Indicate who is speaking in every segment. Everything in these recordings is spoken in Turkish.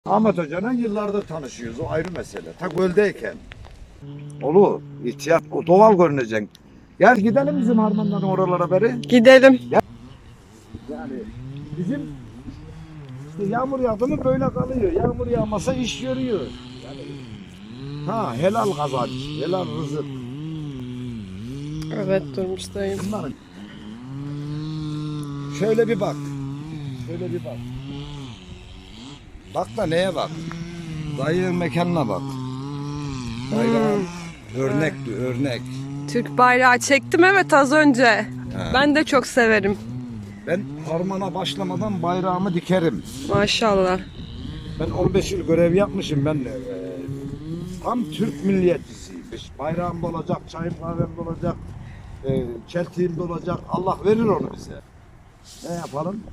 Speaker 1: Ahmet Hoca'yla yıllardır tanışıyoruz. O ayrı mesele. Ta göldeyken. Olur. İhtiyat. O doğal görünecek. Gel gidelim bizim harmanların oralara beri.
Speaker 2: Gidelim.
Speaker 1: Yani bizim işte yağmur yağdı mı böyle kalıyor. Yağmur yağmasa iş görüyor. Yani, helal kazanç, helal rızık.
Speaker 2: Evet Durmuş dayım.
Speaker 1: Bunların. Şöyle bir bak. Şöyle bir bak. Bak da neye bak? Dayının mekanına bak. Bayrağın örnekti, örnek.
Speaker 2: Türk bayrağı çektim evet az önce.
Speaker 1: He.
Speaker 2: Ben de çok severim.
Speaker 1: Ben harmana başlamadan bayrağımı dikerim.
Speaker 2: Maşallah.
Speaker 1: Ben 15 yıl görev yapmışım. Ben tam Türk milliyetçisiyim. Bayrağım da olacak, çayım kahvem de olacak, çeltiğim de olacak. Allah verir onu bize. Ne yapalım?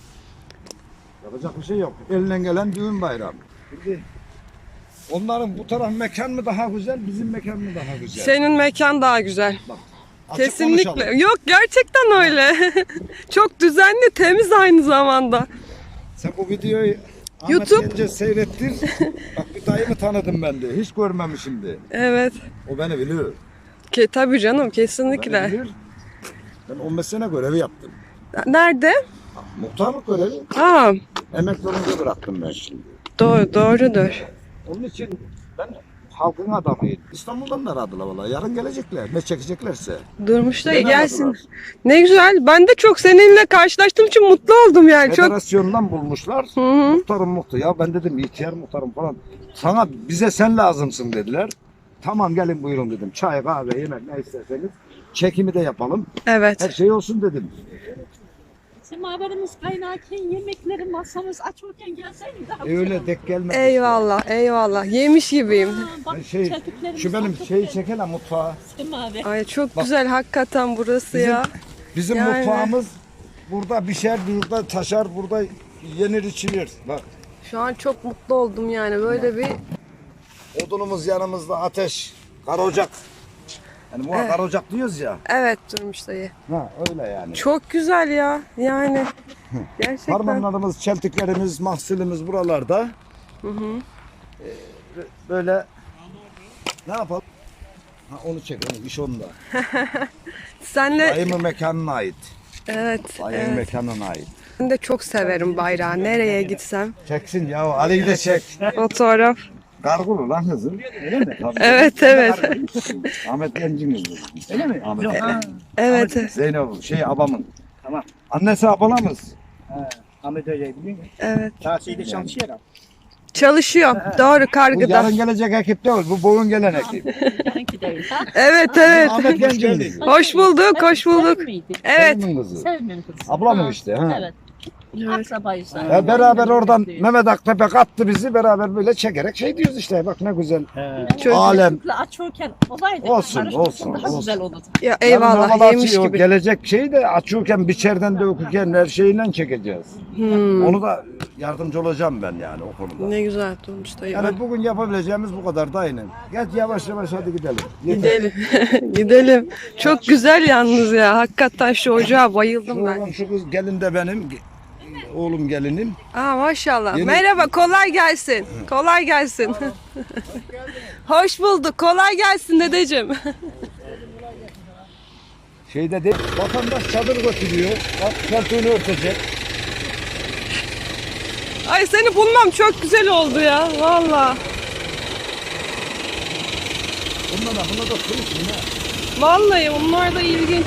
Speaker 1: Yapacak bir şey yok. Elinden gelen düğün bayramı. Şimdi onların bu taraf mekan mı daha güzel, bizim mekan mı daha güzel?
Speaker 2: Senin mekan daha güzel.
Speaker 1: Bak, açık
Speaker 2: Kesinlikle.
Speaker 1: konuşalım.
Speaker 2: Yok gerçekten öyle. Çok düzenli, temiz aynı zamanda.
Speaker 1: Sen bu videoyu Ahmet
Speaker 2: YouTube.
Speaker 1: Gence seyrettir. Bak bir dayımı tanıdım ben de. Hiç görmemişimdi.
Speaker 2: Evet.
Speaker 1: O beni biliyor.
Speaker 2: Tabii canım
Speaker 1: O beni
Speaker 2: kesinlikle.
Speaker 1: bilir. Ben 15 sene görevi yaptım.
Speaker 2: Nerede?
Speaker 1: Muhtarlık görevi.
Speaker 2: Aa,
Speaker 1: Emekli olunca bıraktım ben şimdi.
Speaker 2: doğrudur.
Speaker 1: Onun için ben halkın adamıyım. İstanbul'dan da aradılar valla. Yarın gelecekler. Ne çekeceklerse.
Speaker 2: Durmuş dayı
Speaker 1: Beni
Speaker 2: gelsin.
Speaker 1: aradılar.
Speaker 2: Ne güzel. Ben de çok seninle karşılaştığım için mutlu oldum yani. Çok.
Speaker 1: Federasyondan bulmuşlar.
Speaker 2: Hı hı.
Speaker 1: Muhtarım muhtar. Ya ben dedim ihtiyar muhtarım falan. Sana bize sen lazımsın dediler. Tamam gelin buyurun dedim. Çay, kahve, yemek ne isterseniz. Çekimi de yapalım. Her
Speaker 2: Evet.
Speaker 1: şey olsun dedim.
Speaker 3: Semaverimiz kaynarken, yemekleri masamız açılırken gelseydin daha
Speaker 1: Öyle dek gelmedi.
Speaker 2: Eyvallah, eyvallah. Yemiş gibiyim.
Speaker 3: Bak,
Speaker 1: Şey,
Speaker 3: çeltiklerimiz
Speaker 1: şu benim
Speaker 3: açık.
Speaker 1: şeyi çekelim mutfağa.
Speaker 3: Semaver.
Speaker 2: Ay çok
Speaker 1: Bak.
Speaker 2: güzel hakikaten burası ya.
Speaker 1: Bizim
Speaker 2: Yani.
Speaker 1: mutfağımız burada pişer, burada taşar, burada yenir içilir. Bak
Speaker 2: Şu an çok mutlu oldum yani böyle bir
Speaker 1: odunumuz yanımızda ateş, kara ocak. Yani bu kara ocak diyoruz ya.
Speaker 2: evet Durmuş dayı.
Speaker 1: Ha öyle yani.
Speaker 2: Çok güzel ya yani gerçekten.
Speaker 1: Harmanlarımız, çeltiklerimiz, mahsulümüz buralarda.
Speaker 2: Hı hı.
Speaker 1: Böyle ne yapalım? Ha, onu çek, onu, iş onda.
Speaker 2: Senle
Speaker 1: Dayımın mekanına ait.
Speaker 2: evet,
Speaker 1: Dayımın
Speaker 2: evet.
Speaker 1: mekanına ait.
Speaker 2: Ben de çok severim bayrağı. Nereye gitsem
Speaker 1: Çeksin ya, Ali'yi de çek.
Speaker 2: fotoğraf.
Speaker 1: Kargulu lan kızım. Öyle mi? Tabii.
Speaker 2: Evet evet.
Speaker 1: Ahmet Genc'in kızı. Öyle mi? Ahmet.
Speaker 2: Evet.
Speaker 1: Zeynep, abamın. Tamam. Annesi abalamız.
Speaker 4: Ahmet Hoca'yı biliyor musun?
Speaker 2: Evet.
Speaker 4: Tahsilde çalışıyor ya.
Speaker 2: Çalışıyor. Doğru
Speaker 1: Bu
Speaker 2: kargıda.
Speaker 1: yarın gelecek ekip değil, bu bugün gelen ekip.
Speaker 3: Yarınki değil. Ha?
Speaker 2: Evet evet.
Speaker 1: Ahmet Genc'in kızı.
Speaker 2: Hoş bulduk, hoş bulduk.
Speaker 3: Sevim miydi?
Speaker 2: Evet.
Speaker 1: Sevim'in kızı.
Speaker 3: Sevim'in kızı.
Speaker 1: Ablamın
Speaker 3: Ha,
Speaker 1: işte, ha.
Speaker 3: Evet.
Speaker 2: Evet.
Speaker 3: Akrabayız.
Speaker 1: Ya beraber oradan Mehmet Aktepe kattı bizi, beraber böyle çekerek şey diyoruz işte, bak ne güzel.
Speaker 2: Çok-
Speaker 1: Alem.
Speaker 3: Açıyorken olaydı.
Speaker 1: Olsun,
Speaker 3: karışık
Speaker 1: olsun,
Speaker 3: Daha
Speaker 1: olsun.
Speaker 3: güzel olurdu.
Speaker 2: Ya
Speaker 1: Yarın
Speaker 2: eyvallah
Speaker 1: havalar
Speaker 2: yemiş
Speaker 1: açıyor,
Speaker 2: gibi.
Speaker 1: gelecek şeyi de açıyorken, biçerden döküken her şeyinden çekeceğiz. Onu da yardımcı olacağım ben yani o konuda.
Speaker 2: Ne güzel Durmuş dayı.
Speaker 1: Yani bugün yapabileceğimiz bu kadar da aynen. Gel yavaş yavaş hadi gidelim. Yeter.
Speaker 2: Gidelim. Gidelim. Çok güzel yalnız ya. Hakikaten şu ocağa bayıldım ben.
Speaker 1: Şu kız gelin de benim, oğlum gelinim.
Speaker 2: Aa maşallah.
Speaker 1: Yeni-
Speaker 2: Merhaba, kolay gelsin. Kolay gelsin. Hoş bulduk. Kolay gelsin dedeciğim.
Speaker 1: Şeyde değil, vatandaş çadır götürüyor. Bak koltuğunu örtecek.
Speaker 2: Ay seni bulmam çok güzel oldu ya. Vallahi.
Speaker 1: Bunlar da konuşun ha.
Speaker 2: Vallahi onlar da ilginç.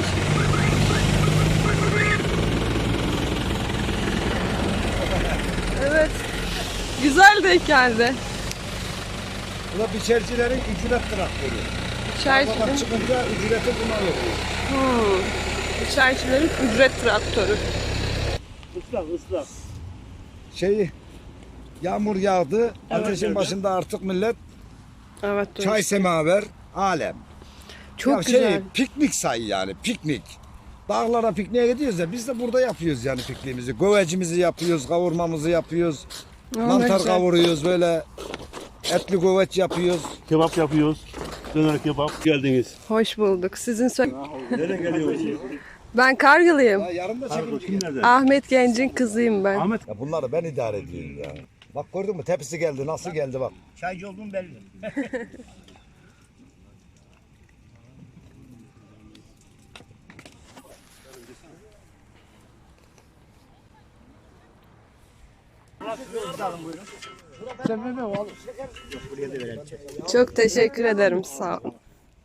Speaker 2: Evet. Güzel denk geldi.
Speaker 1: Bu da biçercilerin ücret traktörü.
Speaker 2: İçericilerin,
Speaker 1: Bak çıkınca ücreti buna veriyor.
Speaker 2: içericilerin ücret traktörü.
Speaker 4: Islak.
Speaker 1: Şeyi, yağmur yağdı. Ateşin başında artık millet
Speaker 2: Evet. Durmuş.
Speaker 1: çay semaver, alem.
Speaker 2: Çok
Speaker 1: Ya
Speaker 2: güzel.
Speaker 1: piknik say yani, piknik. Dağlara pikniğe gidiyoruz ya, biz de burada yapıyoruz yani pikniğimizi. Govecimizi yapıyoruz, kavurmamızı yapıyoruz.
Speaker 2: Aa, ne
Speaker 1: Mantar
Speaker 2: güzel.
Speaker 1: kavuruyoruz böyle. Etli goveç yapıyoruz.
Speaker 4: Kebap yapıyoruz. Döner kebap. Geldiniz.
Speaker 2: Hoş bulduk. Sizin
Speaker 4: Nereye geliyorsunuz?
Speaker 2: Ben Kargılıyım.
Speaker 1: Ya yarın da çekim.
Speaker 4: Kim nerede?
Speaker 2: Ahmet Genc'in kızıyım ben.
Speaker 4: Ahmet.
Speaker 1: Ya bunları ben idare ediyorum ya. Bak gördün mü tepsi geldi nasıl geldi bak.
Speaker 5: Çaycı olduğum belli. Buraya da verelim.
Speaker 2: Çok teşekkür ederim. Sağ ol.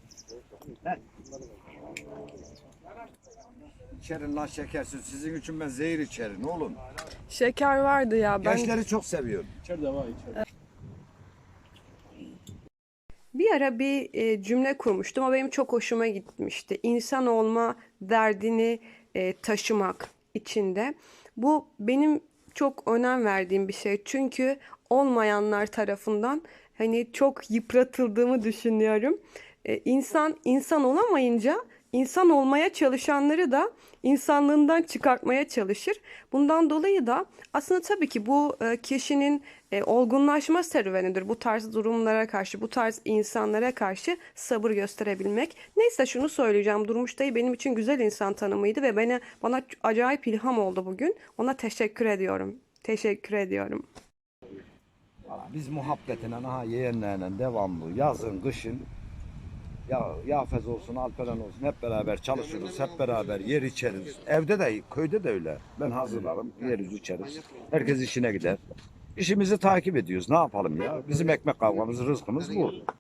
Speaker 1: İçerin lan şekersiz. Sizin için ben zehir içerim oğlum.
Speaker 2: Şeker vardı ya. Ben
Speaker 1: Gençleri çok seviyorum.
Speaker 4: İçeride var içeride.
Speaker 2: bir ara bir cümle kurmuştum. O benim çok hoşuma gitmişti. İnsan olma derdini taşımak içinde. Bu benim çok önem verdiğim bir şey. Çünkü olmayanlar tarafından hani çok yıpratıldığımı düşünüyorum. İnsan olamayınca insan olmaya çalışanları da insanlığından çıkartmaya çalışır. Bundan dolayı da aslında tabii ki bu kişinin olgunlaşma serüvenidir. Bu tarz durumlara karşı, bu tarz insanlara karşı sabır gösterebilmek. Neyse şunu söyleyeceğim. Durmuş Dayı benim için güzel insan tanımıydı ve bana acayip ilham oldu bugün. Ona teşekkür ediyorum. Teşekkür ediyorum.
Speaker 1: Biz muhabbetine aha yeğenlerle devamlı yazın kışın ya Yafez olsun Alperen olsun hep beraber çalışırız hep beraber yer içeriz. Evde de köyde de öyle. Ben hazırlarım yeriz içeriz. Herkes işine gider. İşimizi takip ediyoruz. Ne yapalım ya? Bizim ekmek kavgamız, rızkımız bu.